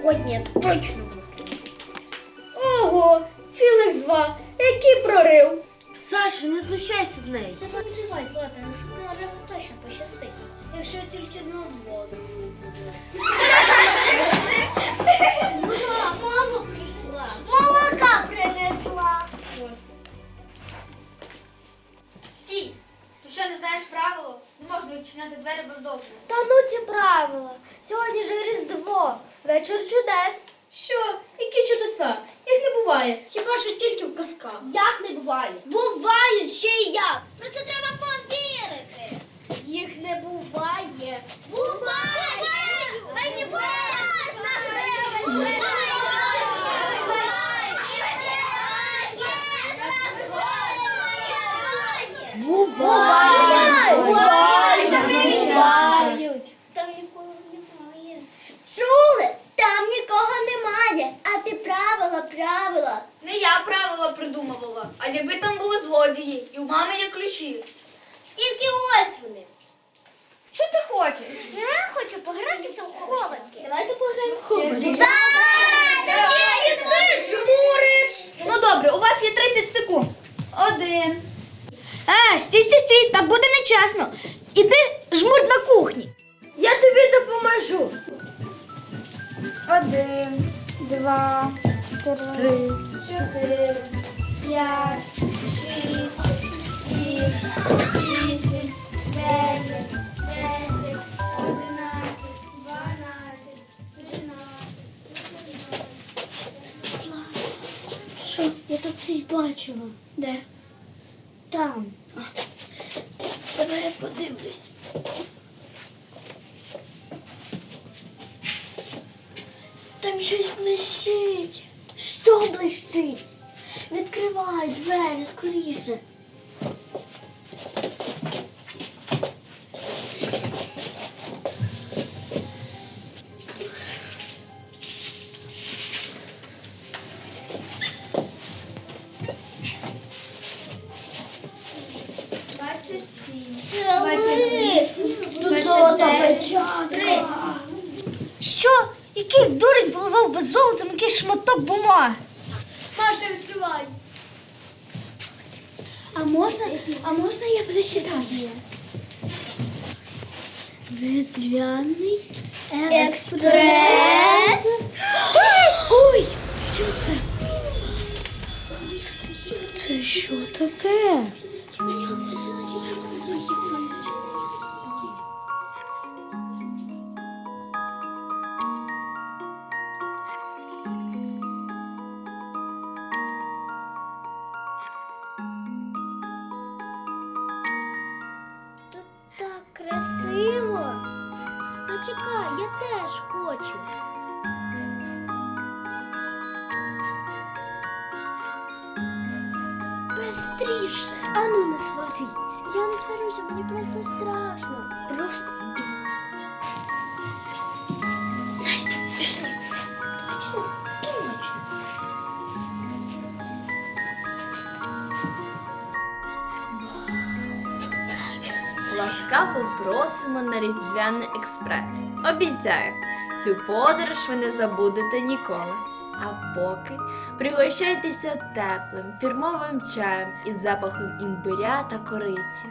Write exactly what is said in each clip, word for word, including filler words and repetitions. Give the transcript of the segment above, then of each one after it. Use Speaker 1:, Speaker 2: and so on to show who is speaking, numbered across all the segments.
Speaker 1: сьогодні я точно витримаю.
Speaker 2: Ого, цілих два. Який прорив.
Speaker 1: Саша, не знущайся з неї.
Speaker 3: Не переживай, Злата, наступного разу точно пощастить. Якщо тільки знов воду. Мама прийшла. Молока принесла.
Speaker 4: Стій! Ти що, не знаєш правило? Не можна відчиняти двері без дозволу.
Speaker 3: Та ну ці правила. Сьогодні ж Різдво. Вечір чудес.
Speaker 2: Що? Які чудеса? Їх не буває. Хіба що тільки в казках.
Speaker 3: Як не буває? Бувають ще й як. Про це треба повірити.
Speaker 2: Їх не буває.
Speaker 3: Буває! Мені
Speaker 2: Буває!
Speaker 3: Бувають! Там нікого немає. Чули? Там нікого немає. А ти правила, правила.
Speaker 4: Не я правила придумувала, а якби там були злодії, і у мами є ключі.
Speaker 3: Тільки ось вони.
Speaker 4: Що ти хочеш?
Speaker 3: Я хочу погратися в хованки. Давайте пограємо в
Speaker 2: хованки.
Speaker 3: Так! Тільки ти жмуриш!
Speaker 4: Ну добре, у вас є тридцять секунд. Один.
Speaker 2: Е, стій, стій, стій, так буде нечесно. Іди жмурь на кухні. Я тобі допоможу.
Speaker 4: Один, два, три, чотири, п'ять, шість, сім, вісім, дев'ять, десять, одинадцять, дванадцять, тринадцять, чотирнадцять.
Speaker 3: Що? Я тут щось бачила.
Speaker 2: Де?
Speaker 3: Там.
Speaker 2: Давай я подивлюсь.
Speaker 3: Там щось блищить. Що блищить? Відкривай двері скоріше.
Speaker 4: Двадцять сім.
Speaker 3: Двадцять вісім.
Speaker 2: Тут золота печатка. Що? Який дурень поливав без золотом якийсь шматок бумаги?
Speaker 3: Маша, відкривай. А можна, а можна я прочитаю? Різдвяний експрес. Ой, що це? Це що таке? Так красиво. Зачекай, я теж хочу. Бистріше. Ану, не сваріться. Я не сварюся, мені просто страшно. Просто йди. Настя, пішли. Точно, точно.
Speaker 5: Ласкаво просимо на Різдвяний експрес. Обіцяю, цю подорож ви не забудете ніколи. А поки пригощайтеся теплим фірмовим чаєм із запахом імбиря та кориці.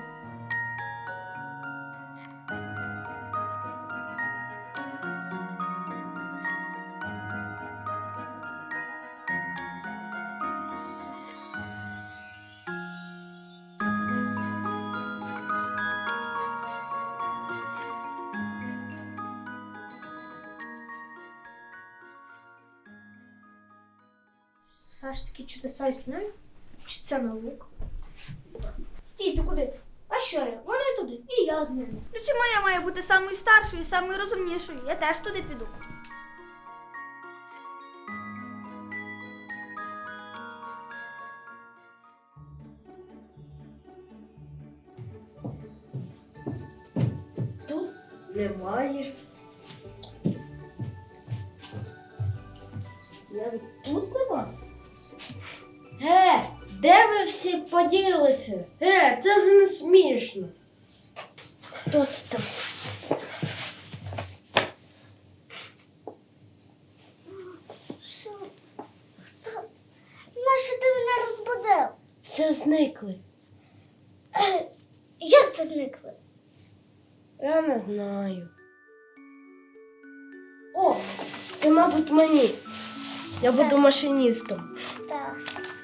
Speaker 2: Все ж таки чудеса існують? Чи це наука? Стій, ти куди? А що я? Вони туди, і я з ними.
Speaker 4: Ну чому я маю бути самою старшою і самою розумнішою? Я теж туди піду.
Speaker 2: Тут немає. Навіть тут нема. Е, де ви всі поділися? Е, це вже не смішно. Хто це там? все зникли.
Speaker 3: Е, Як це зникли?
Speaker 2: Я не знаю. О, це, мабуть, мені. Я буду машиністом.
Speaker 3: Так.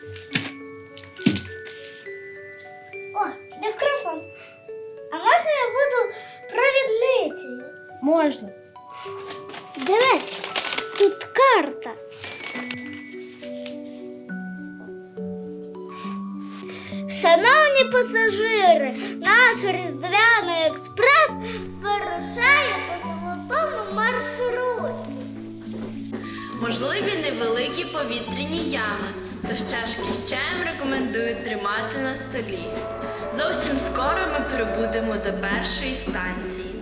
Speaker 3: О, мікрофон. А можна я буду провідницею?
Speaker 2: Можна.
Speaker 3: Дивись, тут карта. Шановні пасажири, наш Різдвяний експрес вирушає по золотому маршруті.
Speaker 5: Можливі невеликі повітряні ями, тож чашки з чаєм рекомендують тримати на столі. Зовсім скоро ми прибудемо до першої станції.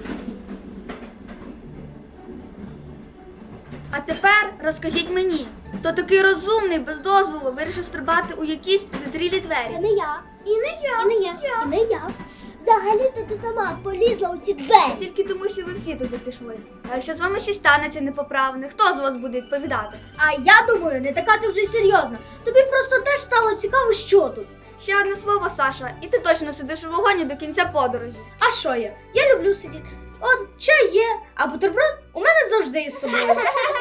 Speaker 4: А тепер розкажіть мені, хто такий розумний, без дозволу, вирішив стрибати у якісь підозрілі
Speaker 3: Це
Speaker 4: двері?
Speaker 3: не я. І не я. І не я. І не я. Взагалі-то ти сама полізла у ці двері.
Speaker 4: Тільки тому, що ви всі туди пішли. А якщо з вами щось станеться непоправне, хто з вас буде відповідати?
Speaker 2: А я думаю, не така ти вже й серйозна. Тобі просто теж стало цікаво, що тут.
Speaker 4: Ще одне слово, Саша, і ти точно сидиш у вагоні до кінця подорожі.
Speaker 2: А що я? Я люблю сидіти. От чай є, а бутерброд у мене завжди із собою.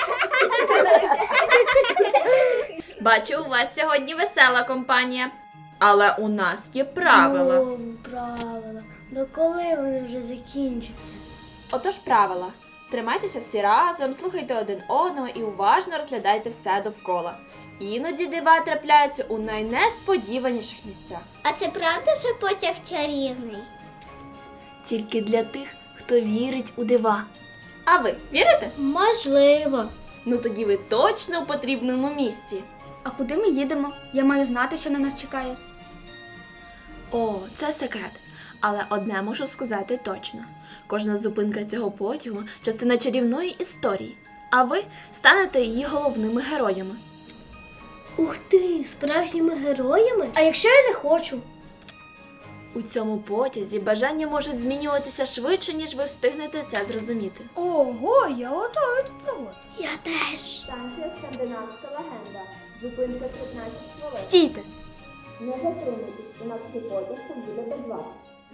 Speaker 5: Бачу, у вас сьогодні весела компанія. Але у нас є правила.
Speaker 2: Знову правила. До коли вони вже закінчаться?
Speaker 5: Отож правила. Тримайтеся всі разом, слухайте один одного і уважно розглядайте все довкола. Іноді дива трапляються у найнесподіваніших місцях.
Speaker 3: А це правда, що потяг чарівний?
Speaker 5: Тільки для тих, хто вірить у дива. А ви вірите?
Speaker 2: Можливо.
Speaker 5: Ну тоді ви точно у потрібному місці.
Speaker 4: А куди ми їдемо? Я маю знати, що на нас чекає.
Speaker 5: О, це секрет. Але одне можу сказати точно. Кожна зупинка цього потягу – частина чарівної історії. А ви станете її головними героями.
Speaker 2: Ух ти, справжніми героями? А якщо я не хочу?
Speaker 5: У цьому потязі бажання можуть змінюватися швидше, ніж ви встигнете це зрозуміти.
Speaker 2: Ого, я готовий до пригод.
Speaker 3: Я теж.
Speaker 5: Станція «Скандинавська легенда». Зупинка п'ятнадцять хвилин.
Speaker 4: Стійте!
Speaker 5: Не затримуйтесь, у нас цей потяг буде без вас.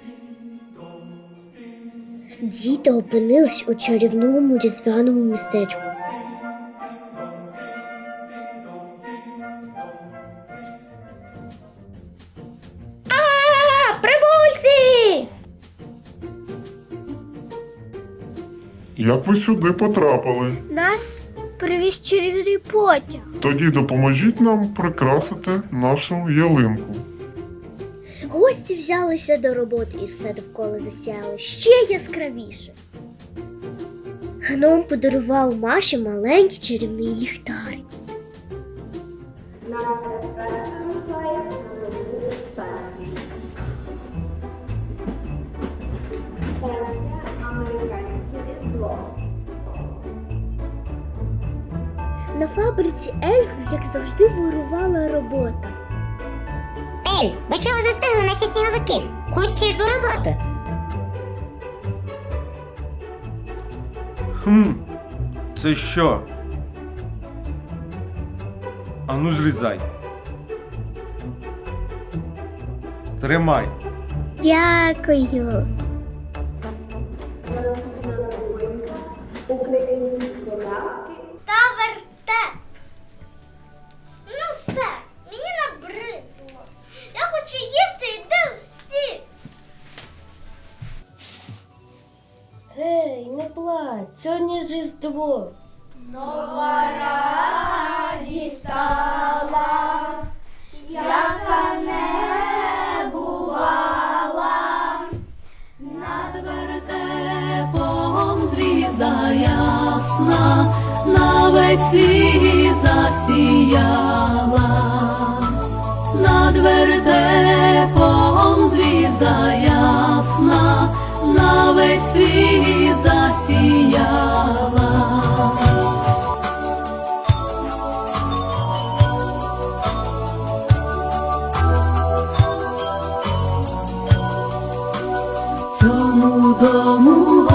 Speaker 3: Діти опинились у чарівному різдвяному містечку. А, прибульці!
Speaker 6: Як ви сюди потрапили?
Speaker 3: Нас привіз чарівний потяг.
Speaker 6: Тоді допоможіть нам прикрасити нашу ялинку.
Speaker 3: Гості взялися до роботи і все довкола засяяло ще яскравіше. Гном подарував Маші маленький чарівний ліхтарик. На фабриці ельфів, як завжди, вирувала робота.
Speaker 7: Ей, ви чого застигли, наче сніговики? Хочеш до роботи?
Speaker 8: Хм, це що? Ану зрізай. Тримай.
Speaker 3: Дякую. Та вертеп. Ну все, мені набридло. Я хочу їсти і де всі.
Speaker 2: Гей, не плач, сьогодні ж Різдво.
Speaker 9: Вертепом звізда ясна, на весь світ засіяла. Над вертепом звізда ясна, на весь світ засіяла. Цьому дому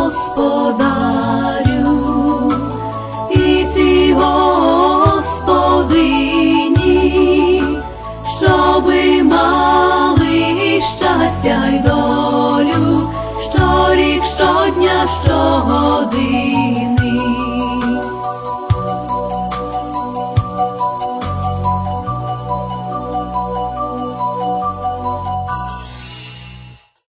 Speaker 9: господарю і цій господині, щоби мати щогоди.